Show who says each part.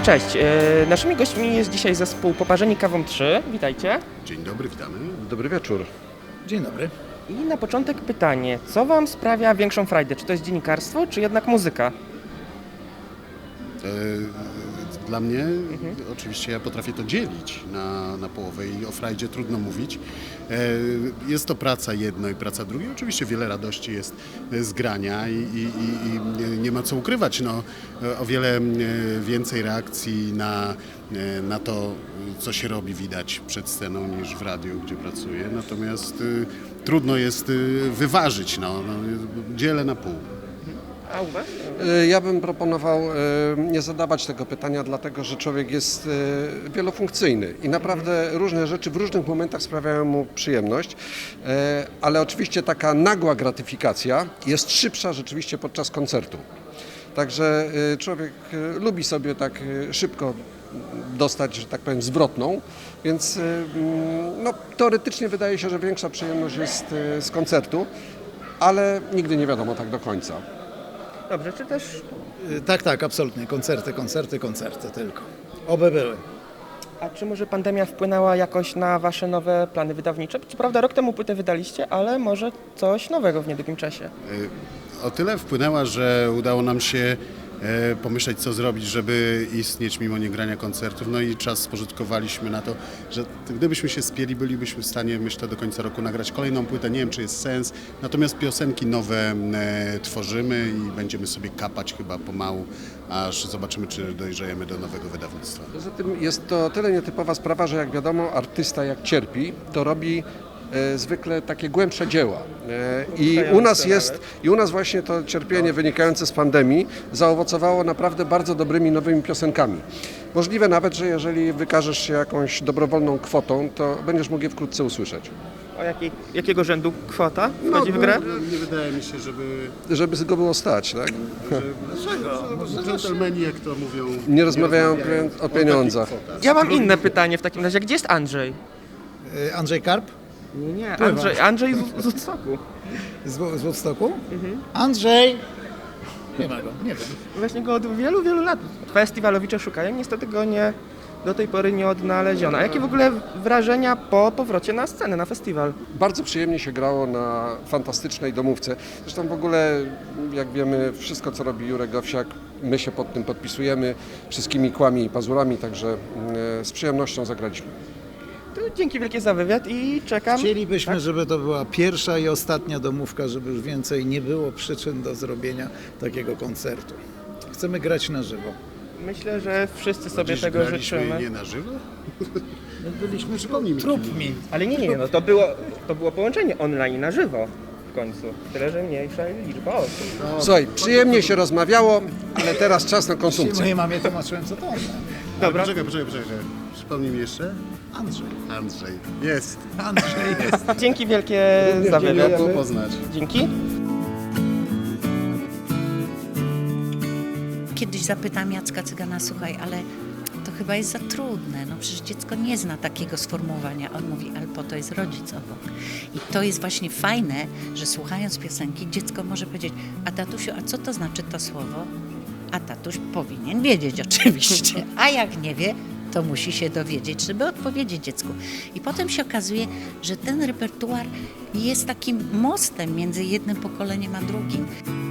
Speaker 1: Cześć, naszymi gośćmi jest dzisiaj zespół Poparzeni Kawą 3. Witajcie.
Speaker 2: Dzień dobry, witamy.
Speaker 3: Dobry wieczór.
Speaker 4: Dzień dobry.
Speaker 1: I na początek pytanie, co Wam sprawia większą frajdę? Czy to jest dziennikarstwo, czy jednak muzyka?
Speaker 2: Dla mnie oczywiście ja potrafię to dzielić na połowę i o frajdzie trudno mówić. Jest to praca jedno i praca drugie. Oczywiście wiele radości jest z grania i nie ma co ukrywać. No, o wiele więcej reakcji na to, co się robi, widać przed sceną niż w radiu, gdzie pracuję. Natomiast trudno jest wyważyć. Dzielę na pół.
Speaker 1: A u Was?
Speaker 3: Ja bym proponował nie zadawać tego pytania, dlatego że człowiek jest wielofunkcyjny i naprawdę różne rzeczy w różnych momentach sprawiają mu przyjemność, ale oczywiście taka nagła gratyfikacja jest szybsza rzeczywiście podczas koncertu. Także człowiek lubi sobie tak szybko dostać, że tak powiem, zwrotną, więc no, teoretycznie wydaje się, że większa przyjemność jest z koncertu, ale nigdy nie wiadomo tak do końca.
Speaker 1: Dobrze, czy też...
Speaker 4: Tak, absolutnie. Koncerty tylko. Oby były.
Speaker 1: A czy może pandemia wpłynęła jakoś na Wasze nowe plany wydawnicze? Co prawda rok temu płytę wydaliście, ale może coś nowego w niedługim czasie.
Speaker 2: O tyle wpłynęła, że udało nam się pomyśleć, co zrobić, żeby istnieć mimo niegrania koncertów. No i czas spożytkowaliśmy na to, że gdybyśmy się spieli, bylibyśmy w stanie, myślę, do końca roku nagrać kolejną płytę. Nie wiem, czy jest sens. Natomiast piosenki nowe tworzymy i będziemy sobie kapać chyba pomału, aż zobaczymy, czy dojrzejemy do nowego wydawnictwa.
Speaker 3: Poza tym jest to tyle nietypowa sprawa, że jak wiadomo, artysta jak cierpi, to robi zwykle takie głębsze dzieła. I u nas właśnie to cierpienie wynikające z pandemii zaowocowało naprawdę bardzo dobrymi nowymi piosenkami. Możliwe nawet, że jeżeli wykażesz się jakąś dobrowolną kwotą, to będziesz mógł je wkrótce usłyszeć.
Speaker 1: O jakiego rzędu kwota wchodzi w grę?
Speaker 2: Nie wydaje mi się,
Speaker 3: Żeby go było stać, tak?
Speaker 2: dżentelmeni, jak to mówią,
Speaker 3: Nie rozmawiają o pieniądzach.
Speaker 1: Ja mam inne pytanie w takim razie. Gdzie jest Andrzej?
Speaker 4: Andrzej Karp
Speaker 1: Nie, Andrzej z Woodstocku.
Speaker 4: z Woodstocku? Andrzej! Nie ma go, nie wiem.
Speaker 1: Właśnie go od wielu, wielu lat festiwalowicze szukają, niestety go do tej pory nie odnaleziono. A jakie w ogóle wrażenia po powrocie na scenę, na festiwal?
Speaker 3: Bardzo przyjemnie się grało na fantastycznej domówce. Zresztą w ogóle, jak wiemy, wszystko co robi Jurek Owsiak, my się pod tym podpisujemy wszystkimi kłami i pazurami, także z przyjemnością zagraliśmy.
Speaker 1: To dzięki wielkie za wywiad i czekam.
Speaker 4: Chcielibyśmy, żeby to była pierwsza i ostatnia domówka, żeby już więcej nie było przyczyn do zrobienia takiego koncertu. Chcemy grać na żywo.
Speaker 1: Myślę, że wszyscy sobie
Speaker 2: Dziś
Speaker 1: tego
Speaker 2: graliśmy
Speaker 1: życzymy.
Speaker 2: nie na żywo? Byliśmy, przypomnij mi.
Speaker 4: Trupmi.
Speaker 1: Ale nie, no to było połączenie online na żywo w końcu. Tyle, że mniejsza liczba osób.
Speaker 3: Słuchaj, przyjemnie się rozmawiało, ale teraz czas na konsumpcję.
Speaker 4: Mojej mamie tłumaczyłem, co to on.
Speaker 1: Dobra.
Speaker 2: Poczekaj. Przypomnij mi jeszcze. Andrzej. Jest.
Speaker 4: Andrzej jest.
Speaker 1: Dzięki wielkie za wywiad.
Speaker 2: Miło poznać.
Speaker 1: Dzięki.
Speaker 5: Kiedyś zapytałam Jacka Cygana, słuchaj, ale to chyba jest za trudne, no przecież dziecko nie zna takiego sformułowania. On mówi, ale po to jest rodzic obok. I to jest właśnie fajne, że słuchając piosenki dziecko może powiedzieć, a tatusiu, a co to znaczy to słowo? A tatuś powinien wiedzieć oczywiście, a jak nie wie, to musi się dowiedzieć, żeby odpowiedzieć dziecku. I potem się okazuje, że ten repertuar jest takim mostem między jednym pokoleniem a drugim.